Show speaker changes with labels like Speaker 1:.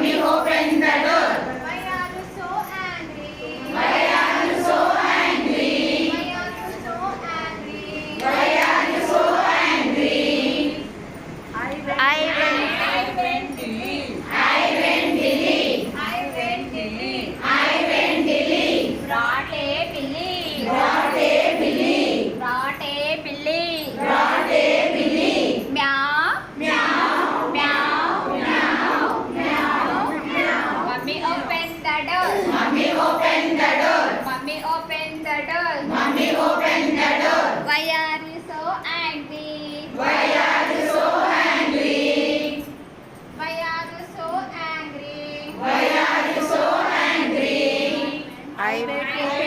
Speaker 1: open the door.
Speaker 2: Why are you so angry?
Speaker 1: Why are you so angry?
Speaker 2: Why are you so angry?
Speaker 1: Why are you so angry?
Speaker 2: I went Delhi.
Speaker 1: I went Delhi.
Speaker 2: I went Delhi.
Speaker 1: I went Delhi.
Speaker 2: Brought a billy.
Speaker 1: Brought a billy.
Speaker 2: Brought a billy.
Speaker 1: Brought a billy.
Speaker 2: Meow.
Speaker 1: Meow.
Speaker 2: Meow.
Speaker 1: Meow. Meow. Meow.
Speaker 2: Mummy open the door.
Speaker 1: Mummy open the door.
Speaker 2: Mummy open the door.
Speaker 1: Mummy open the door.
Speaker 2: Why are you so angry?
Speaker 1: Why are you so angry?
Speaker 2: Why are you so angry?
Speaker 1: Why are you so angry?
Speaker 2: I went